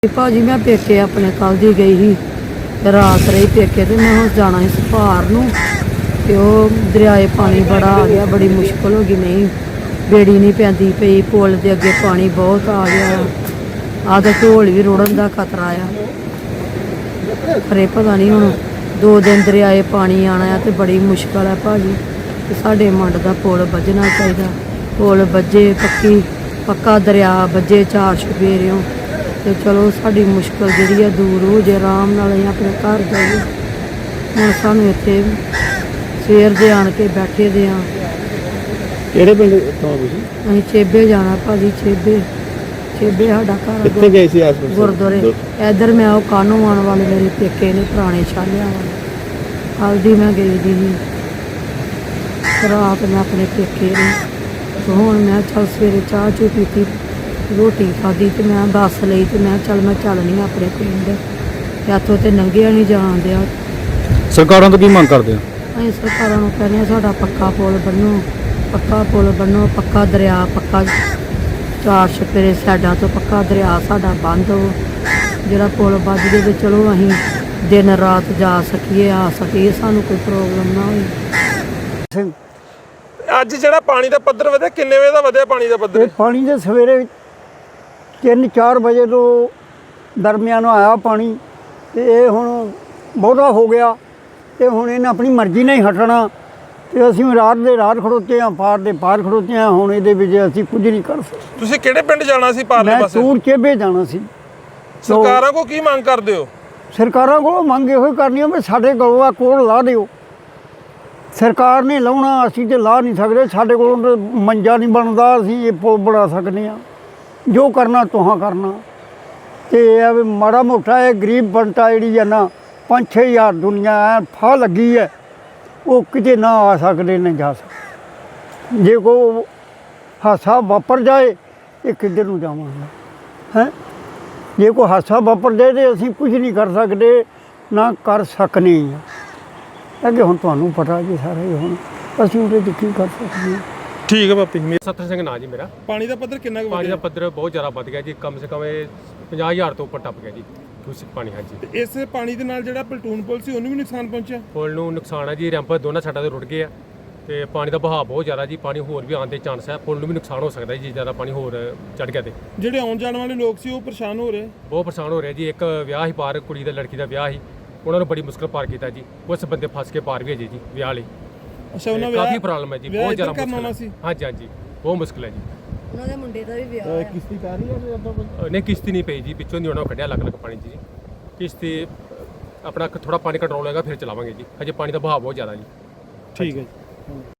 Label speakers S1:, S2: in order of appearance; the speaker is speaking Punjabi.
S1: भाजी मैं पेके अपने कल दी गई ही रात रही पेके तो मैं हम जाना इस भार नूं ते ओह दरियाए पानी बड़ा आ गया, बड़ी मुश्किल हो गई। नहीं बेड़ी नहीं पैंदी पई, पुल दे अगे पानी बहुत आ गया। आधा ढोल भी रुड़न का खतरा आ, पर पता नहीं हुण 2 दिन दरियाए पानी आना है तो बड़ी मुश्किल है भाजी। साडे मंड का पुल बजना चाहिए, पुल बजे पक्का दरिया बजे 4 छपेरियों तो चलो साड़ी मुश्किल जी दूर हो जाए, आराम नाल असीं अपने घर जाइए। हुण सानूं इत्थे सवेर दे आण के बैठे दे आ।
S2: किहड़े पिंड तो तुसीं?
S1: असीं चेबे जाना भाजी, चेबे साडा घर।
S2: कित्थे गए सी आस-पास
S1: गुरुद्वारे इधर मैं वो कानों आने वाले मेरे पेके ने पुराने छालिया वाले, कल दी मैं गई दी ही रात मैं अपने पेके ने। तो हुण मैं चल सवेरे चाह चू पीती, रोटी खाधी तो मैं बस लई तो मैं चलनी अपने पिंड। इत्थों तो नंगिया नहीं जान दिया।
S2: सरकारों तो की मंग करदे हो?
S1: ਅਸੀਂ ਸਰਕਾਰਾਂ ਨੂੰ ਕਹਿੰਦੇ ਹਾਂ ਸਾਡਾ ਪੱਕਾ ਪੁਲ ਬਣੋ, ਪੱਕਾ ਦਰਿਆ, ਪੱਕਾ 4 ਛਪੇਰੇ ਸਾਈਡਾਂ ਤੋਂ ਪੱਕਾ ਦਰਿਆ ਸਾਡਾ ਬੰਦ ਹੋ। ਜਿਹੜਾ ਪੁਲ ਵੱਜ ਜੇ ਤੇ ਚਲੋ ਅਸੀਂ ਦਿਨ ਰਾਤ ਜਾ ਸਕੀਏ, ਆ ਸਕੀਏ, ਸਾਨੂੰ ਕੋਈ ਪ੍ਰੋਬਲਮ ਨਾ ਹੋਏ।
S3: ਅੱਜ ਜਿਹੜਾ ਪਾਣੀ ਦਾ ਪੱਧਰ ਵਧਿਆ, ਕਿੰਨੇ ਵਜੇ ਦਾ ਵਧਿਆ ਪਾਣੀ ਦਾ ਪੱਧਰ?
S4: ਪਾਣੀ ਦੇ ਸਵੇਰੇ 3-4 ਵਜੇ ਤੋਂ ਦਰਮਿਆਨ ਆਇਆ ਪਾਣੀ ਤੇ ਇਹ ਹੁਣ ਬਹੁਤਾ ਹੋ ਗਿਆ ਤੇ ਹੁਣ ਇਹਨੇ ਆਪਣੀ ਮਰਜ਼ੀ ਨਾਲ ਹੀ ਹਟਣਾ ਤੇ ਅਸੀਂ ਰਾਤ ਦੇ ਰਾਤ ਖੜੋਤੇ ਆ, ਪਾਰ ਦੇ ਪਾਰ ਖੜੋਤੇ ਆ। ਹੁਣ ਇਹਦੇ ਵਿੱਚ ਅਸੀਂ ਕੁਝ ਨਹੀਂ ਕਰ ਸਕਦੇ।
S3: ਤੁਸੀਂ ਕਿਹੜੇ ਪਿੰਡ ਜਾਣਾ ਸੀ ਪਾਰਲੇ
S4: ਮੈਂ
S3: ਪਾਸੇ?
S4: ਟੂਰ ਚੇਬੇ ਜਾਣਾ ਸੀ।
S3: ਸਰਕਾਰਾਂ ਕੋ ਕੀ ਮੰਗ ਕਰਦੇ ਹੋ?
S4: ਸਰਕਾਰਾਂ ਕੋਲੋਂ ਮੰਗ ਇਹੋ ਹੀ ਕਰਨੀ ਆ ਵੀ ਸਾਡੇ ਕੋਲੋਂ ਆ ਕੋਲ ਲਾ ਦਿਓ। ਸਰਕਾਰ ਨੇ ਲਾਉਣਾ, ਅਸੀਂ ਤੇ ਲਾ ਨਹੀਂ ਸਕਦੇ। ਸਾਡੇ ਕੋਲੋਂ ਤਾਂ ਮੰਜਾ ਨਹੀਂ ਬਣਦਾ, ਅਸੀਂ ਇਹ ਪੁਲ ਬਣਾ ਸਕਦੇ ਹਾਂ। ਜੋ ਕਰਨਾ ਤੁਹਾਂ ਕਰਨਾ ਤੇ ਇਹ ਵੀ ਮਾੜਾ ਮੋਟਾ ਇਹ ਗਰੀਬ ਬੰਟਾ ਜਿਹੜੀ ਆ ਨਾ 5-6 ਹਜ਼ਾਰ ਦੁਨੀਆ ਐ ਫਾਹ ਲੱਗੀ ਹੈ, ਉਹ ਕਿਤੇ ਨਾ ਆ ਸਕਦੇ ਨਾ ਜਾ ਸਕਦੇ। ਜੇ ਕੋਈ ਹਾਦਸਾ ਵਾਪਰ ਜਾਏ ਇਹ ਕਿੱਧਰ ਨੂੰ ਜਾਵਾਂਗੇ ਹੈ? ਜੇ ਕੋਈ ਹਾਦਸਾ ਵਾਪਰ ਜਾਏ ਤਾਂ ਅਸੀਂ ਕੁਝ ਨਹੀਂ ਕਰ ਸਕਦੇ, ਨਾ ਕਰ ਸਕਨੇ ਹਾਂ। ਅੱਗੇ ਹੁਣ ਤੁਹਾਨੂੰ ਪਤਾ ਜੀ ਸਾਰਾ ਹੀ, ਹੁਣ ਅਸੀਂ ਉਹਦੇ 'ਚ ਕੀ ਕਰ ਸਕਦੇ ਹਾਂ।
S3: ਠੀਕ ਹੈ ਬਾਪੀ।
S5: ਸੱਤਰ ਸਿੰਘ ਨਾਂ ਜੀ ਮੇਰਾ।
S3: ਪਾਣੀ ਦਾ ਪੱਧਰ ਕਿੰਨਾ ਕੁ
S5: ਪਾਣੀ ਦਾ
S3: ਵਧਿਆ?
S5: ਪੱਧਰ ਬਹੁਤ ਜ਼ਿਆਦਾ ਵੱਧ ਗਿਆ ਜੀ, ਕਮ ਸੇ ਕਮ 50,000 ਤੋਂ ਉੱਪਰ ਟੱਪ ਗਿਆ ਜੀ ਦੂਸ਼ਿਤ ਪਾਣੀ। ਹਾਂਜੀ,
S3: ਇਸ ਪਾਣੀ ਦੇ ਨਾਲ ਜਿਹੜਾ ਪਲਟੂਨ ਪੁਲ ਸੀ ਉਹਨੂੰ ਵੀ ਨੁਕਸਾਨ ਪਹੁੰਚਿਆ?
S5: ਪੁਲ ਨੂੰ ਨੁਕਸਾਨ ਹੈ ਜੀ, ਰੈਂਪ ਦੋਨਾਂ ਸਾਈਡਾਂ ਤੇ ਰੁੜ ਗਏ ਆ ਤੇ ਪਾਣੀ ਦਾ ਵਹਾਅ ਬਹੁਤ ਜ਼ਿਆਦਾ ਜੀ, ਪਾਣੀ ਹੋਰ ਵੀ ਆਉਣ ਦੇ ਚਾਂਸ ਹੈ। ਪੁਲ ਨੂੰ ਵੀ ਨੁਕਸਾਨ ਹੋ ਸਕਦਾ ਜੀ, ਜ਼ਿਆਦਾ ਪਾਣੀ ਹੋਰ ਚੜ ਗਿਆ ਤੇ।
S3: ਜਿਹੜੇ ਆਉਣ ਜਾਣ ਵਾਲੇ ਲੋਕ ਸੀ ਉਹ ਪਰੇਸ਼ਾਨ ਹੋ ਰਹੇ?
S5: ਬਹੁਤ ਪਰੇਸ਼ਾਨ ਹੋ ਰਿਹਾ ਜੀ। ਇੱਕ ਵਿਆਹ ਹੀ ਪਾਰ, ਕੁੜੀ ਦਾ ਲੜਕੀ ਦਾ ਵਿਆਹ ਸੀ, ਉਹਨਾਂ ਨੂੰ ਬੜੀ ਮੁਸ਼ਕਲ ਪਾਰ ਕੀਤਾ ਜੀ। ਉਸ ਬੰਦੇ ਫਸ ਕੇ ਪਾਰ ਵੀ ਹੈ ਜੀ ਵਿਆਹ ਲਈ।
S3: ਅੱਛਾ, ਉਹਨਾਂ
S5: ਕਾਫੀ ਪ੍ਰੋਬਲਮ ਹੈ ਜੀ, ਬਹੁਤ ਜ਼ਿਆਦਾ
S3: ਕਰਨਾ
S5: ਮੁਸ਼ਕਲ
S3: ਸੀ।
S5: ਹੈ। ਹਾਂਜੀ, ਬਹੁਤ ਮੁਸ਼ਕਲ ਹੈ ਜੀ।
S1: ਉਹਨਾਂ ਦੇ ਮੁੰਡੇ ਦਾ ਵੀ ਵਿਆਹ ਹੈ।
S3: ਕਿਸ਼ਤੀ ਪੈ ਰਹੀ ਹੈ ਉਦੋਂ ਕੋਈ?
S5: ਨਹੀਂ, ਕਿਸ਼ਤੀ ਨਹੀਂ ਪਈ ਜੀ, ਪਿੱਛੋਂ ਦੀ ਉਹਨਾਂ ਕੱਢਿਆ ਅਲੱਗ ਪਾਣੀ 'ਚ ਜੀ। ਕਿਸ਼ਤੀ ਆਪਣਾ ਥੋੜਾ ਪਾਣੀ ਕੰਟਰੋਲ ਹੋਏਗਾ ਫਿਰ ਚਲਾਵਾਂਗੇ ਜੀ, ਹਜੇ ਪਾਣੀ ਦਾ ਵਹਾਅ ਬਹੁਤ ਜ਼ਿਆਦਾ ਜੀ।
S3: ਠੀਕ ਹੈ ਜੀ।